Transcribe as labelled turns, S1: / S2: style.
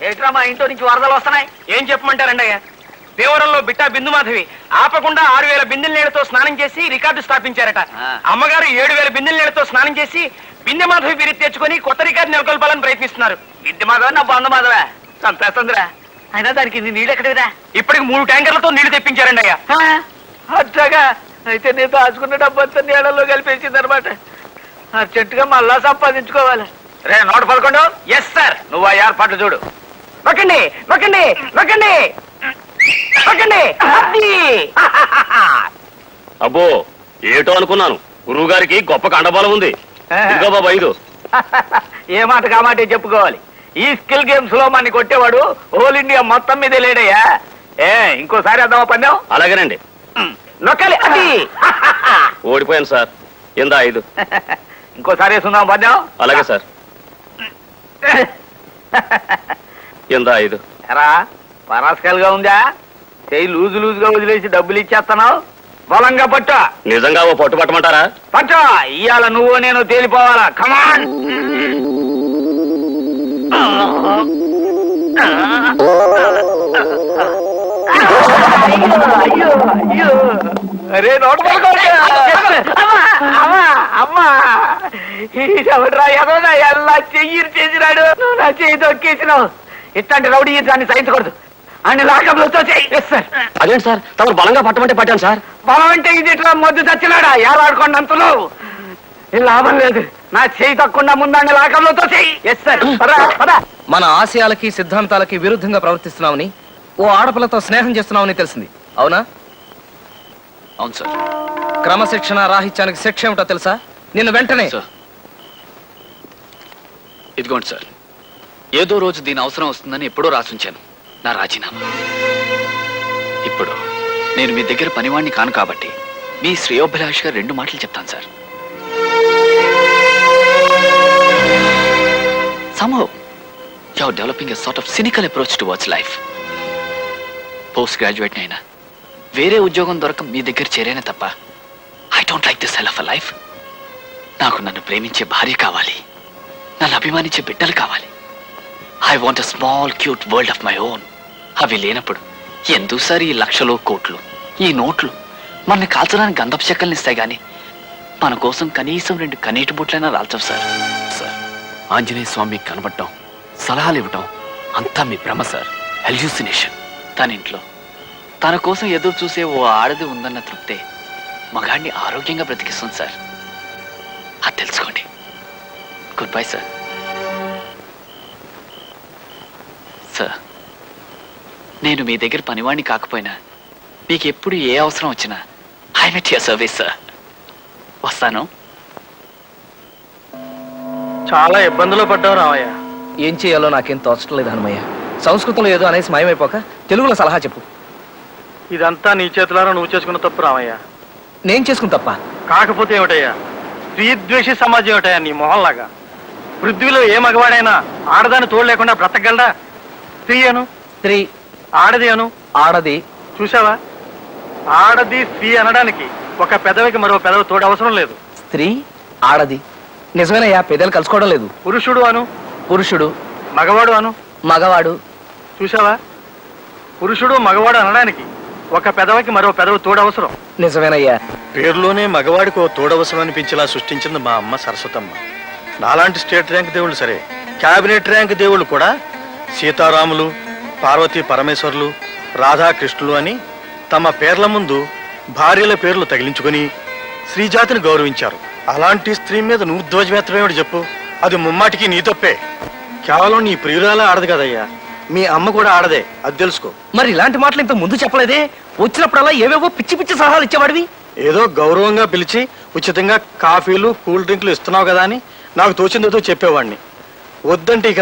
S1: ఏట్రా మా ఇంట్లో నుంచి వరదలు వస్తున్నాయి?
S2: ఏం చెప్పమంటారండి అయ్యా, దేవరంలో బిట్టా బిందుమాధవి ఆపకుండా 6000 బిందెల నీళ్లతో స్నానం చేసి రికార్డు స్థాపించారట. అమ్మగారు 7000 బిందెల నీళ్లతో స్నానం చేసి బిందె మాధవి బిరి తెచ్చుకొని కొత్త రికార్డు నెలకొల్పాలని ప్రయత్నిస్తున్నారు.
S1: బిందె మాధవ నా బంధు మాధవ చంపేస్తుందిరా. అయినా దానికి నీళ్ళు ఎక్కడివిరా?
S2: ఇప్పటికి 3 ట్యాంకర్లతో నీళ్లు తెప్పించారండి అయ్యా.
S1: అట్లాగా? అయితే నేను దాచుకున్న డబ్బంతా నీళ్ళల్లో కలిపేసింది అనమాట. అర్జెంటుగా మళ్ళా సంపాదించుకోవాలి.
S2: రే 111. Yes sir.
S1: నువ్వు ఆ ఏర్పాట్లు చూడు.
S2: నొక్కండి నొక్కండి నొక్కండి నొక్కండి.
S3: అబ్బో ఏటో అనుకున్నాను, గురువు గారికి గొప్ప కండబలం ఉంది. ఇదిగో బాబా 5.
S1: ఏ మాట కామాటే చెప్పుకోవాలి. ఈ స్కిల్ గేమ్స్ లో మనని కొట్టేవాడు హోల్ ఇండియా మొత్తం మీద లేడయ్యా. ఇంకోసారి అద్దామా పందెం?
S3: అలాగేనండి.
S1: నొక్కాలి. అది
S3: ఓడిపోయాను సార్. ఇందా 5.
S1: ఇంకోసారి వేసుకుందాం పందెం?
S3: అలాగే సార్. ఇందా 5.
S1: ఎరా పరాస్కల్గా ఉందా? చెయ్యి లూజుగా వదిలేసి డబ్బులు ఇచ్చేస్తున్నావు. బలంగా పట్టు.
S3: నిజంగా ఓ పట్టు పట్టమంటారా?
S1: పట్టు. ఇవాళ నువ్వు నేను తేలిపోవాలా. కమాన్. అరే ఎవడ్రా ఎదోనా ఎలా చెయ్యి చేసినాడు. నువ్వు నా చెయ్యి తొక్కేసినావు. ఇట్లాంటి రౌడీ దాన్ని సహించకూడదు. అన్ని లాకంలో చెయ్యి.
S3: అదేంటి సార్, తమరు బలంగా పట్టమంటే పట్టాను సార్.
S1: బలం అంటే ఇది ఇట్లా మొద్దు చచ్చినాడా ఏలాడుకోండంతలో లాభం లేదు. నా చెయ్యి తక్కువ ముందాన్ని లాకంలో చెయ్యి.
S4: మన ఆశయాలకి సిద్ధాంతాలకి విరుద్ధంగా ప్రవర్తిస్తున్నామని ఓ ఆడపిల్లతో స్నేహం చేస్తున్నామని తెలిసింది, అవునా?
S5: అవును సార్.
S4: క్రమశిక్షణ రాహిత్యానికి శిక్ష ఏమిటో తెలుసా? నిన్ను వెంటనే.
S5: ఇదిగోండి సార్, ఏదో రోజు దీని అవసరం వస్తుందని ఎప్పుడో రాసుంచాను నా రాజీనామా. ఇప్పుడు నేను మీ దగ్గర పనివాణ్ణి కాను కాబట్టి మీ శ్రేయోభిలాష్గా 2 మాటలు చెప్తాను sir. Somehow you're developing a sort of cynical approach towards life. Post graduate అయినా వేరే ఉద్యోగం దొరక మీ దగ్గర చేరేనే తప్ప I don't like this hell of a life. నాకు నన్ను ప్రేమించే భార్య కావాలి, నన్ను అభిమానించే బిడ్డలు కావాలి. I want a small cute world of my own. అవి లేనప్పుడు ఎందుకు సార్ ఈ లక్షలు కోట్లు, ఈ నోట్లు? మనని కాల్చడానికి గంధపు చెక్కల్ని ఇస్తాయి కానీ మన కోసం కనీసం 2 కన్నీటి బుట్లైనా రాల్చవు సార్. సార్, ఆంజనేయ స్వామి కనబడటం, సలహాలు ఇవ్వటం అంతా మీ భ్రమ సార్, హెల్యూసినేషన్. తన ఇంట్లో తన కోసం ఎదురు చూసే ఓ ఆడది ఉందన్న తృప్తే మగాడిని ఆరోగ్యంగా బ్రతికిస్తుంది సార్. అది తెలుసుకోండి. Good bye sir. సార్, నేను మీ దగ్గర పనివాణ్ణి కాకపోయినా మీకు ఎప్పుడు ఏ అవసరం వచ్చినా I met your service sir. వస్తాను.
S2: చాలా ఇబ్బందులు పడ్డావు రామయ్య.
S4: ఏం చేయాలో నాకేం తోచడం లేదు హనుమయ్య. సంస్కృతంలో ఏదో అనేసి మాయమైపోక తెలుగులో సలహా చెప్పు.
S2: ఇదంతా నీ చేతులారా నువ్వు చేసుకున్న తప్పు రామయ్య.
S4: నేను చేసుకుని తప్ప
S2: కాకపోతే ఏమిటయ్యా, స్త్రీద్వేషి సమాజం ఏమిటయ్యా నీ మొహంలాగా. పృథ్వీలో ఏ మగవాడైనా ఆడదాన్ని తోడు లేకుండా బ్రతకగలడా? స్త్రీ అను,
S4: స్త్రీ.
S2: ఆడది అను,
S4: ఆడది.
S2: చూసావా, ఆడది స్త్రీ అనడానికి ఒక పెదవికి మరో పెదవి తోడు అవసరం లేదు.
S4: స్త్రీ, ఆడది. నిజమేనయ్యా, పెదలు కలుసుకోవడం లేదు.
S2: పురుషుడు అను,
S4: పురుషుడు.
S2: మగవాడు అను,
S4: మగవాడు.
S2: చూసావా, పురుషుడు మగవాడు అనడానికి ఒక పెదవికి మరో పెదవి తోడవసరం.
S4: నిజమేనయ్యా.
S2: పేరులోనే మగవాడికి ఓ తోడవసరం అనిపించేలా సృష్టించింది మా అమ్మ సరస్వతమ్మ. నాలాంటి స్టేట్ ర్యాంక్ దేవుళ్ళు సరే, క్యాబినెట్ ర్యాంక్ దేవుళ్ళు కూడా సీతారాములు, పార్వతీ పరమేశ్వర్లు, రాధాకృష్ణులు అని తమ పేర్ల ముందు భార్యల పేర్లు తగిలించుకొని స్త్రీజాతిని గౌరవించారు. అలాంటి స్త్రీ మీద నువ్వు ధ్వజమెత్తమేమిటి చెప్పు? అది ముమ్మాటికి నీ తప్పే. కేవలం నీ ప్రియురాలే ఆడదు కదయ్యా, మీ అమ్మ కూడా ఆడదే, అది తెలుసుకో.
S4: మరి ఇలాంటి మాటలు ఇంత ముందు చెప్పలేదే? వచ్చినప్పుడల్లా ఏవేవో పిచ్చి పిచ్చి సలహాలు ఇచ్చేవాడివి.
S2: ఏదో గౌరవంగా పిలిచి ఉచితంగా కాఫీలు కూల్ డ్రింక్లు ఇస్తున్నావు కదా అని నాకు తోచిందేదో చెప్పేవాడిని. వద్దంటే ఇక